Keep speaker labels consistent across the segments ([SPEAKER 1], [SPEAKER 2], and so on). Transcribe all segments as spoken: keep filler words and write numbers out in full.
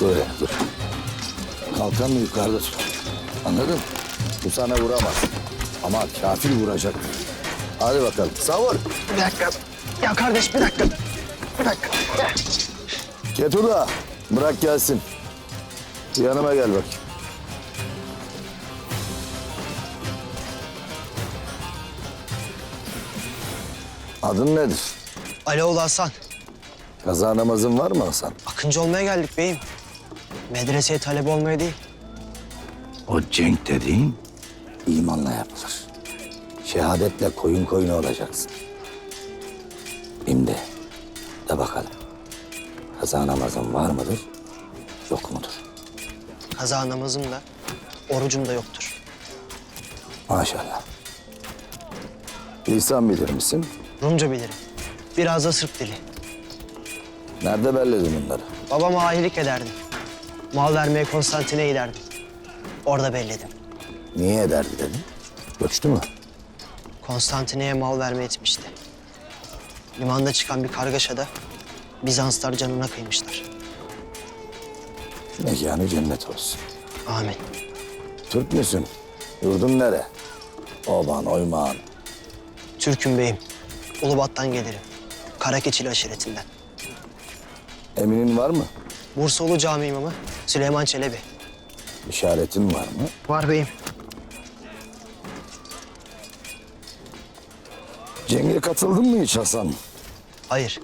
[SPEAKER 1] Otur öyle, dur. Kalkanı yukarıda tut. Anladın mı? Bu sana vuramaz. Ama kafir vuracak. Hadi bakalım, savur.
[SPEAKER 2] Bir dakika. Ya kardeş bir dakika. Bir dakika.
[SPEAKER 1] Ketula, bırak gelsin. Yanıma gel bak. Adın nedir?
[SPEAKER 2] Aloğlu Hasan.
[SPEAKER 1] Kaza namazın var mı Hasan?
[SPEAKER 2] Akıncı olmaya geldik beyim. Medreseye talebe olmaya değil.
[SPEAKER 1] O cenk dediğin imanla yapılır. Şehadetle koyun koyunu olacaksın. Şimdi de bakalım. Kaza namazın var mıdır, yok mudur?
[SPEAKER 2] Kaza namazım da, orucum da yoktur.
[SPEAKER 1] Maşallah. Lisan bilir misin?
[SPEAKER 2] Rumca bilirim. Biraz da Sırp dili.
[SPEAKER 1] Nerede belledin bunları?
[SPEAKER 2] Babama ahilik ederdim. Mal vermeye Konstantin'e giderdim. Orada belledim.
[SPEAKER 1] Niye ederdi dedin? Göçtü mü?
[SPEAKER 2] Konstantin'e mal vermeye etmişti. Limanda çıkan bir kargaşada Bizanslar canına kıymışlar.
[SPEAKER 1] Mekanı cennet olsun.
[SPEAKER 2] Amin.
[SPEAKER 1] Türk müsün? Yurdun nere? Oban, oymağın.
[SPEAKER 2] Türk'üm beyim. Ulubat'tan gelirim. Karakeçili aşiretinden.
[SPEAKER 1] Eminin var mı?
[SPEAKER 2] Bursalı Cami imamı Süleyman Çelebi.
[SPEAKER 1] İşaretin var mı?
[SPEAKER 2] Var beyim.
[SPEAKER 1] Cenge katıldın mı hiç Hasan?
[SPEAKER 2] Hayır.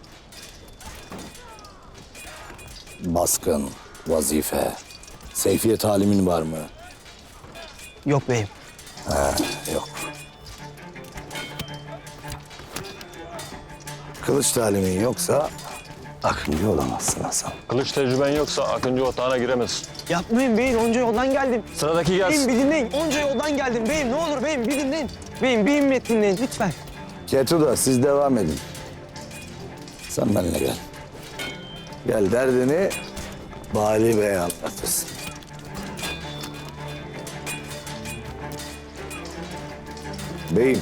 [SPEAKER 1] Baskın, vazife, seyfiye talimin var mı?
[SPEAKER 2] Yok beyim.
[SPEAKER 1] Yok. Kılıç talimin yoksa akıncı olamazsın Hasan.
[SPEAKER 3] Kılıç tecrüben yoksa Akıncı otağına giremezsin.
[SPEAKER 2] Yapmayın beyim. Onca yoldan geldim.
[SPEAKER 3] Sıradaki
[SPEAKER 2] Beyim
[SPEAKER 3] gelsin.
[SPEAKER 2] bir dinleyin. Onca yoldan geldim beyim. Ne olur beyim bir dinleyin. Beyim bir himmet dinleyin lütfen.
[SPEAKER 1] Ketuda siz devam edin. Sen benimle gel. Gel derdini Bali Bey'e anlatırsın. Beyim.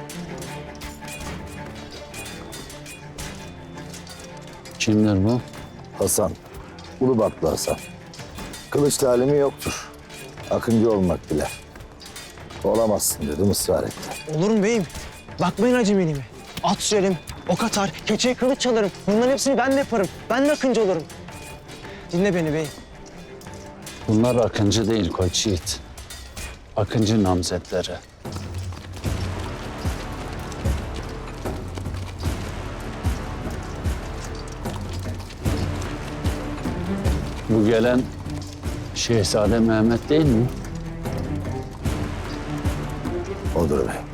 [SPEAKER 3] Kimdir bu?
[SPEAKER 1] Hasan. Ulubatlı Hasan. Kılıç talimi yoktur. Akıncı olmak diler. Olamazsın dedim, ısrar etti.
[SPEAKER 2] Olur mu beyim? Bakmayın acemiliğime. At sürerim, ok atar, keçeye kılıç çalarım. Bunların hepsini ben de yaparım. Ben de akıncı olurum. Dinle beni beyim.
[SPEAKER 4] Bunlar Akıncı değil Koç Yiğit. Akıncı namzetleri. Bu gelen Şehzade Mehmet değil mi?
[SPEAKER 1] Odur bey.